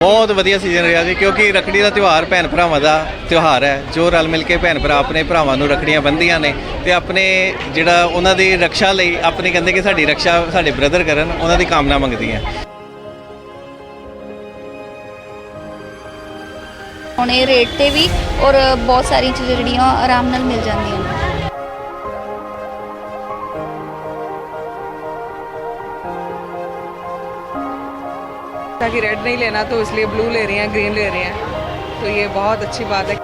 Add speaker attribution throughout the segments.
Speaker 1: बहुत वधिया सीजन रहा जी क्योंकि रखड़ी का त्यौहार भैन भरावां का त्यौहार है जो रल मिल के भैन भरा अपने भरावां नूं रखड़ियां बंधियां ने ते अपने जिहड़ा उन्हां दी रक्षा लई अपनी कहंदे कि साडी रक्षा साडे ब्रदर करन उन्हां दी कामना मंगदियां।
Speaker 2: होने रेट ते भी और बहुत सारी चीज़ां जिहड़ियां आराम नाल मिल जांदियां ने।
Speaker 3: ताकि रेड नहीं लेना तो इसलिए ब्लू ले रही हैं, ग्रीन ले रही हैं, तो ये बहुत अच्छी बात है।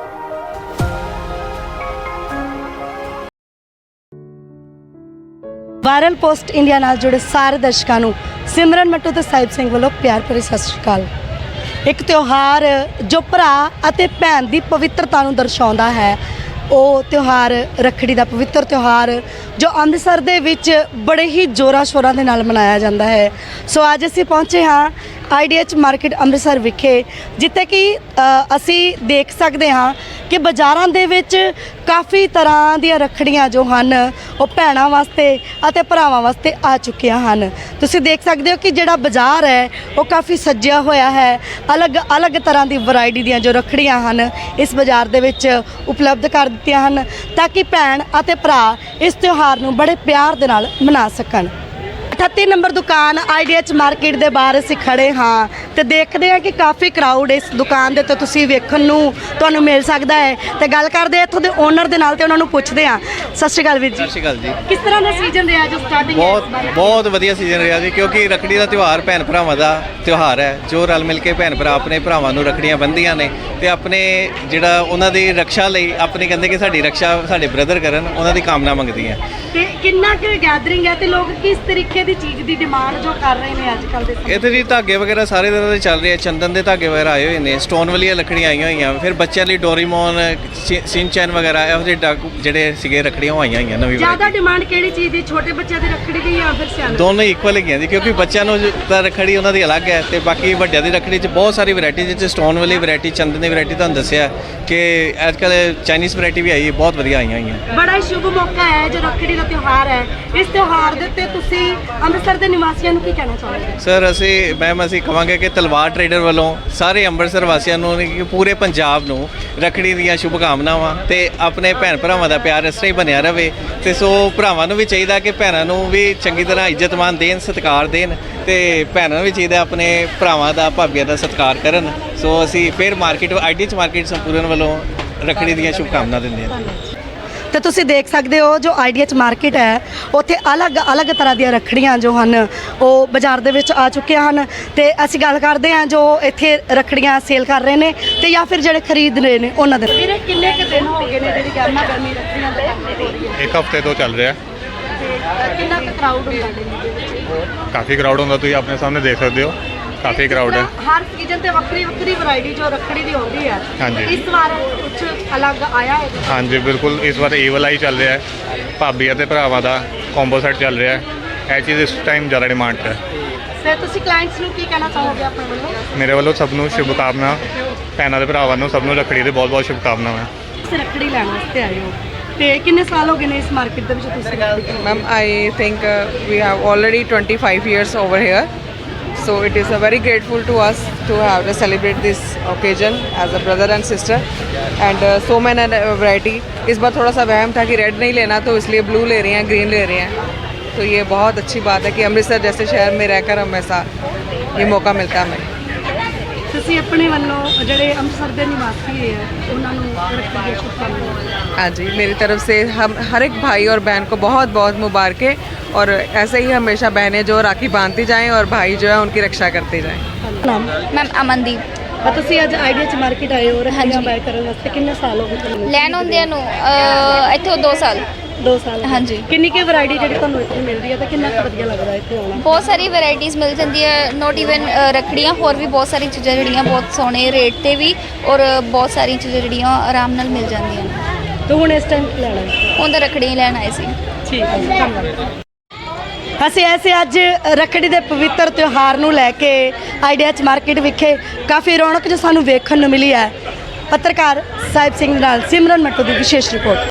Speaker 4: ਵਾਇਰਲ ਪੋਸਟ ਇੰਡੀਆ ਨਾਲ ਜੁੜੇ ਸਾਰੇ ਦਰਸ਼ਕਾਂ ਨੂੰ ਸਿਮਰਨ ਮੱਟੂ ਤੇ ਸਾਹਿਬ ਸਿੰਘ ਵੱਲੋਂ ਪਿਆਰ ਭਰੀ ਸਤਿ ਸ਼੍ਰੀ ਅਕਾਲ। ਇੱਕ ਤਿਉਹਾਰ ਜੋ ਭਰਾ ਅਤੇ ਭੈਣ ਦੀ ਪਵਿੱਤਰਤਾ ਨੂੰ ਦਰਸਾਉਂਦਾ ਹੈ, ਉਹ ਤਿਉਹਾਰ ਰੱਖੜੀ ਦਾ ਪਵਿੱਤਰ ਤਿਉਹਾਰ ਜੋ ਅੰਮ੍ਰਿਤਸਰ ਦੇ ਵਿੱਚ ਬੜੇ ਹੀ ਜ਼ੋਰਾਂ ਸ਼ੋਰਾਂ ਦੇ ਨਾਲ ਮਨਾਇਆ ਜਾਂਦਾ ਹੈ। ਸੋ ਅੱਜ ਅਸੀਂ ਪਹੁੰਚੇ ਹਾਂ IDH ਮਾਰਕੀਟ ਅੰਮ੍ਰਿਤਸਰ ਵਿਖੇ, ਜਿੱਥੇ ਕਿ ਅਸੀਂ ਦੇਖ ਸਕਦੇ ਹਾਂ ਕਿ ਬਾਜ਼ਾਰਾਂ ਦੇ ਵਿੱਚ ਕਾਫੀ ਤਰ੍ਹਾਂ ਦੀਆਂ ਰੱਖੜੀਆਂ ਜੋ ਹਨ ਉਹ ਭੈਣਾਂ ਵਾਸਤੇ ਅਤੇ ਭਰਾਵਾਂ ਵਾਸਤੇ ਆ ਚੁੱਕੀਆਂ ਹਨ। ਤੁਸੀਂ ਦੇਖ ਸਕਦੇ ਹੋ ਕਿ ਜਿਹੜਾ ਬਾਜ਼ਾਰ ਹੈ ਉਹ ਕਾਫੀ ਸੱਜਿਆ ਹੋਇਆ ਹੈ। ਅਲੱਗ ਤਰ੍ਹਾਂ ਦੀ ਵੈਰਾਈਟੀ ਦੀਆਂ ਜੋ ਰੱਖੜੀਆਂ ਹਨ ਇਸ ਬਾਜ਼ਾਰ ਦੇ ਵਿੱਚ ਉਪਲਬਧ ਕਰ ਦਿੱਤੀਆਂ ਹਨ ਤਾਂ ਕਿ ਭੈਣ ਅਤੇ ਭਰਾ ਇਸ ਤਿਉਹਾਰ ਨੂੰ ਬੜੇ ਪਿਆਰ ਦੇ ਨਾਲ ਮਨਾ ਸਕਣ। 38 ਨੰਬਰ ਦੁਕਾਨ IDH ਮਾਰਕੀਟ ਦੇ ਬਾਹਰ ਅਸੀਂ ਖੜੇ ਹਾਂ ਤੇ ਦੇਖਦੇ ਹਾਂ ਕਿ ਕਾਫੀ ਕਰਾਊਡ ਇਸ ਦੁਕਾਨ ਦੇ ਉੱਤੇ ਤੁਸੀਂ ਵੇਖਣ ਨੂੰ ਤੁਹਾਨੂੰ ਮਿਲ ਸਕਦਾ ਹੈ ਤੇ ਗੱਲ ਕਰਦੇ ਇੱਥੋਂ ਦੇ ਓਨਰ ਦੇ ਨਾਲ ਤੇ ਉਹਨਾਂ ਨੂੰ ਪੁੱਛਦੇ ਹਾਂ। ਸਤਿ ਸ਼੍ਰੀ ਅਕਾਲ ਵੀਰ ਜੀ।
Speaker 1: ਸਤਿ ਸ਼੍ਰੀ ਅਕਾਲ ਜੀ।
Speaker 4: ਕਿਸ ਤਰ੍ਹਾਂ ਦਾ ਸੀਜ਼ਨ ਰਿਹਾ ਜੋ ਸਟਾਰਟਿੰਗ
Speaker 1: बहुत वधिया सीजन रहा जी क्योंकि रखड़ी का त्यौहार भैन भरावां का त्यौहार है जो रल मिल के भैन भरा अपने भरावां नूं रखड़ियां बंधियां ने ते अपने जिहड़ा उन्हां दी रक्षा लई अपनी कहंदे कि साडी रक्षा साडे ब्रदर करन उन्हां दी कामना मंगदियां।
Speaker 4: ਤੇ ਕਿੰਨਾ ਕੁ ਗੈਦਰਿੰਗ ਹੈ ਤੇ ਲੋਕ ਕਿਸ ਤਰੀਕੇ ਦੀ ਚੀਜ਼ ਦੀ ਡਿਮਾਂਡ ਜੋ ਕਰ ਰਹੇ ਨੇ ਅੱਜ ਕੱਲ ਦੇ ਸਮੇਂ
Speaker 1: ਇੱਥੇ ਜੀ ਧਾਗੇ ਵਗੈਰਾ ਸਾਰੇ ਤਰ੍ਹਾਂ ਦੇ ਚੱਲ ਰਹੇ ਆ, ਚੰਦਨ ਦੇ ਧਾਗੇ ਵਗੈਰਾ ਆਏ ਹੋਏ ਨੇ, ਸਟੋਨ ਵਾਲੀਆਂ ਲੱਕੜੀਆਂ ਆਈਆਂ ਹੋਈਆਂ, ਫਿਰ ਬੱਚਿਆਂ ਲਈ ਡੋਰੀਮੋਨ ਸਿੰਚੈਨ ਵਗੈਰਾ ਇਹੋ ਜਿਹੇ ਡਾਕੂ ਜਿਹੜੇ ਸੀਗੇ ਰੱਖੜੀਆਂ ਆਈਆਂ ਹੋਈਆਂ ਨਵੀਂ
Speaker 4: ਜ਼ਿਆਦਾ ਡਿਮਾਂਡ ਕਿਹੜੀ ਚੀਜ਼ ਦੀ, ਛੋਟੇ ਬੱਚਿਆਂ ਦੀ ਰੱਖੜੀ ਦੀ ਜਾਂ ਫਿਰ ਸਿਆਣੇ?
Speaker 1: ਦੋਨੋਂ ਇਕੁਅਲ ਹੈਗੀਆਂ ਜੀ ਕਿਉਂਕਿ ਬੱਚਿਆਂ ਨੂੰ ਤਾਂ ਰੱਖੜੀ ਉਹਨਾਂ ਦੀ ਅਲੱਗ ਹੈ ਤੇ ਬਾਕੀ ਵੱਡਿਆਂ ਦੀ ਰੱਖੜੀ 'ਚ ਬਹੁਤ ਸਾਰੀ ਵੈਰਾਈਟੀ, ਜਿਸ 'ਚ ਸਟੋਨ ਵਾਲੀ ਵੈਰਾਈਟੀ, ਚੰਦਨ ਦੀ ਵੈਰਾਈਟੀ ਤੁਹਾਨੂੰ ਦੱਸਿਆ ਕਿ ਅੱਜ ਕੱਲ੍ਹ ਚਾਈਨੀਜ਼ ਵੈਰਾਈਟੀ ਵੀ ਆਈ, ਬਹੁਤ ਵਧੀਆ ਆਈਆਂ ਹੋਈਆਂ।
Speaker 4: ਬੜਾ ਹੀ ਸ਼ੁਭ ਮੌਕਾ ਹੈ ਜੋ ਰੱਖੜੀ ਦਾ ਤਿਉਹਾਰ ਹੈ। ਇਸ ਤਿਉਹਾਰ ਦੇ ਉੱਤੇ ਤੁਸੀਂ ਅੰਮ੍ਰਿਤਸਰ ਦੇ ਨਿਵਾਸੀਆਂ ਨੂੰ ਕੀ ਕਹਿਣਾ ਚਾਹੋਗੇ?
Speaker 1: ਸਰ ਅਸੀਂ ਕਹਾਂਗੇ ਕਿ ਤਲਵਾਰ ਟਰੇਡਰ ਵੱਲੋਂ ਸਾਰੇ ਅੰਮ੍ਰਿਤਸਰ ਵਾਸੀਆਂ ਨੂੰ ਕਿ ਪੂਰੇ ਪੰਜਾਬ ਨੂੰ ਰੱਖੜੀ ਦੀਆਂ ਸ਼ੁਭਕਾਮਨਾਵਾਂ ਤੇ ਆਪਣੇ ਭੈਣ ਭਰਾਵਾਂ ਦਾ ਪਿਆਰ ਇਸ ਤਰ੍ਹਾਂ ਹੀ ਬਣਿਆ ਰਹੇ ਤੇ ਸੋ ਭਰਾਵਾਂ ਨੂੰ ਵੀ ਚਾਹੀਦਾ ਕਿ ਭੈਣਾਂ ਨੂੰ ਵੀ ਚੰਗੀ ਤਰ੍ਹਾਂ ਇੱਜ਼ਤ ਮਾਨ ਦੇਣ, ਸਤਿਕਾਰ ਦੇਣ ਤੇ ਭੈਣਾਂ ਨੂੰ ਵੀ ਚਾਹੀਦਾ ਆਪਣੇ ਭਰਾਵਾਂ ਦਾ, ਭਾਬੀਆਂ ਦਾ ਸਤਿਕਾਰ ਕਰਨ। ਸੋ ਅਸੀਂ ਫਿਰ IDH ਮਾਰਕੀਟ ਸੰਪੂਰਨ ਵੱਲੋਂ ਰੱਖੜੀ ਦੀਆਂ ਸ਼ੁਭਕਾਮਨਾਵਾਂ ਦਿੰਦੇ ਹਾਂ।
Speaker 4: ਤੇ ਤੁਸੀਂ ਦੇਖ ਸਕਦੇ ਹੋ ਜੋ IDH ਮਾਰਕੀਟ ਹੈ ਉੱਥੇ ਅਲੱਗ ਤਰ੍ਹਾਂ ਦੀਆਂ ਰੱਖੜੀਆਂ ਜੋ ਹਨ ਉਹ ਬਾਜ਼ਾਰ ਦੇ ਵਿੱਚ ਆ ਚੁੱਕੀਆਂ ਹਨ ਤੇ ਅਸੀਂ ਗੱਲ ਕਰਦੇ ਹਾਂ ਜੋ ਇੱਥੇ ਰੱਖੜੀਆਂ ਸੇਲ ਕਰ ਰਹੇ ਨੇ ਤੇ ਜਾਂ ਫਿਰ ਜਿਹੜੇ ਖਰੀਦ ਰਹੇ ਨੇ ਉਹਨਾਂ ਦੇ। ਵੀਰੇ ਕਿੰਨੇ ਕੁ ਦਿਨ ਹੋ ਗਏ ਨੇ ਜਿਹੜੀ ਗਰਮੀ ਰੱਖੜੀਆਂ ਦੇ ਕੰਮ ਹੋ ਰਹੀ ਹੈ?
Speaker 5: ਇੱਕ ਹਫ਼ਤੇ ਤੋਂ ਚੱਲ ਰਿਹਾ।
Speaker 4: ਕਿੰਨਾ ਕੁ ਕਰਾਊਡ ਹੁੰਦਾ ਹੈ?
Speaker 5: ਕਾਫੀ ਕਰਾਊਡ ਹੁੰਦਾ, ਤੁਸੀਂ ਆਪਣੇ ਸਾਹਮਣੇ ਦੇਖ ਸਕਦੇ ਹੋ, ਕਾਫੀ ਕਰਾਊਡ ਹੈ।
Speaker 4: ਹਰ ਸੀਜ਼ਨ ਤੇ ਵੱਖਰੀ ਵੈਰਾਈਟੀ ਜੋ ਰੱਖੜੀ ਦੀ ਹੁੰਦੀ ਹੈ।
Speaker 5: ਹਾਂਜੀ।
Speaker 4: ਇਸ ਵਾਰ ਕੁਝ ਅਲੱਗ ਆਇਆ ਹੈ?
Speaker 5: ਹਾਂਜੀ ਬਿਲਕੁਲ, ਇਸ ਵਾਰ ਇਹ ਵਾਲਾ ਹੀ ਚੱਲ ਰਿਹਾ ਹੈ, ਭਾਬੀ ਅਤੇ ਭਰਾਵਾਂ ਦਾ ਕੰਬੋ ਸੈੱਟ ਚੱਲ ਰਿਹਾ ਹੈ। ਇਹ ਚੀਜ਼ ਇਸ ਟਾਈਮ ਜ਼ਿਆਦਾ ਡਿਮਾਂਡ 'ਚ ਹੈ।
Speaker 4: ਸਰ ਤੁਸੀਂ ਕਲਾਇੰਟਸ ਨੂੰ ਕੀ ਕਹਿਣਾ ਚਾਹੋਗੇ ਆਪਣੇ ਵੱਲੋਂ?
Speaker 5: ਮੇਰੇ ਵੱਲੋਂ ਸਭ ਨੂੰ ਸ਼ੁਭਕਾਮਨਾ, ਭੈਣਾਂ ਦੇ ਭਰਾਵਾਂ ਨੂੰ ਸਭ ਨੂੰ ਰੱਖੜੀ ਦੇ ਬਹੁਤ ਸ਼ੁਭਕਾਮਨਾਵਾਂ।
Speaker 4: ਤੁਸੀਂ ਰੱਖੜੀ ਲੈਣ ਵਾਸਤੇ ਆਏ ਹੋ ਤੇ ਕਿੰਨੇ ਸਾਲ ਹੋ ਗਏ ਨੇ ਇਸ ਮਾਰਕੀਟ ਦੇ ਵਿੱਚ ਤੁਸੀਂ?
Speaker 3: Ma'am, I think we have already 25 years over here, so it is very grateful to us to have to celebrate this occasion as a brother and sister, and so many variety. इस बार थोड़ा सा वहम था कि red नहीं लेना तो इसलिए ब्लू ले रही हैं, ग्रीन ले रही हैं, तो ये बहुत अच्छी बात है कि अमृतसर जैसे शहर में रहकर हमेशा ये मौका मिलता है हमें।
Speaker 4: ਤੁਸੀਂ ਆਪਣੇ ਵੱਲੋਂ ਜਿਹੜੇ ਅੰਮ੍ਰਿਤਸਰ ਦੇ ਨਿਵਾਸੀ ਹੈ ਉਹਨਾਂ ਨੂੰ ਰੱਖੜੀ ਦੀਆਂ ਸ਼ੁਭਕਾਮਨਾਵਾਂ।
Speaker 3: हाँ जी, मेरी तरफ से हम हर एक भाई और बहन को बहुत बहुत मुबारकें और ऐसे ही हमेशा बहनें जो राखी बांधती जाएं और भाई जो है उनकी रक्षा करते जाएं।
Speaker 4: ਨਾਮ?
Speaker 2: मैम अमनदीप।
Speaker 4: ਤੁਸੀਂ ਅੱਜ IDH ਮਾਰਕੀਟ ਆਏ ਹੋ ਰੱਖੜੀਆਂ ਬਾਏ ਕਰਨ ਵਾਸਤੇ। ਕਿੰਨੇ ਸਾਲ ਹੋ ਗਏ ਤੁਹਾਨੂੰ?
Speaker 2: ਲੈਣ ਹੁੰਦਿਆਂ ਨੂੰ ਇੱਥੋਂ 2 ਸਾਲ।
Speaker 4: 2 ਸਾਲ।
Speaker 2: ਹਾਂਜੀ।
Speaker 4: ਕਿੰਨੀ ਕੁ ਵੈਰਾਈਟੀ ਜਿਹੜੀ ਤੁਹਾਨੂੰ ਇੱਥੇ ਮਿਲਦੀ ਹੈ ਤੇ ਕਿੰਨਾ ਕੁ ਵਧੀਆ ਲੱਗਦਾ ਇੱਥੇ ਆਉਣਾ?
Speaker 2: ਬਹੁਤ ਸਾਰੀ ਵੈਰਾਈਟੀਜ਼ ਮਿਲ ਜਾਂਦੀ ਹੈ, ਨੋਟ ਈਵਨ ਰੱਖੜੀਆਂ, ਹੋਰ ਵੀ ਬਹੁਤ ਸਾਰੀ ਚੀਜ਼ਾਂ ਜਿਹੜੀਆਂ ਬਹੁਤ ਸੋਹਣੇ ਰੇਟ ਤੇ ਵੀ ਔਰ ਬਹੁਤ ਸਾਰੀ ਚੀਜ਼ਾਂ ਜਿਹੜੀਆਂ ਆਰਾਮ ਨਾਲ ਮਿਲ ਜਾਂਦੀਆਂ ਨੇ।
Speaker 4: ਤੇ ਹੁਣ ਇਸ ਟਾਈਮ ਲੈਣਾ ਹੈ?
Speaker 2: ਹੁਣ ਤਾਂ ਰੱਖੜੀਆਂ ਲੈਣ ਆਏ ਸੀ।
Speaker 4: ਠੀਕ ਹੈ, ਧੰਨਵਾਦ। ਅਸੀਂ ਐਸੇ ਅੱਜ ਰੱਖੜੀ ਦੇ ਪਵਿੱਤਰ ਤਿਉਹਾਰ ਨੂੰ ਲੈ ਕੇ IDH ਮਾਰਕੀਟ ਵਿਖੇ ਕਾਫੀ ਰੌਣਕ ਜੋ ਸਾਨੂੰ ਵੇਖਣ ਨੂੰ ਮਿਲੀ ਹੈ। ਪੱਤਰਕਾਰ ਸਾਹਿਬ ਸਿੰਘ ਨਾਲ ਸਿਮਰਨ ਮੱਟੂ ਦੀ ਵਿਸ਼ੇਸ਼ ਰਿਪੋਰਟ।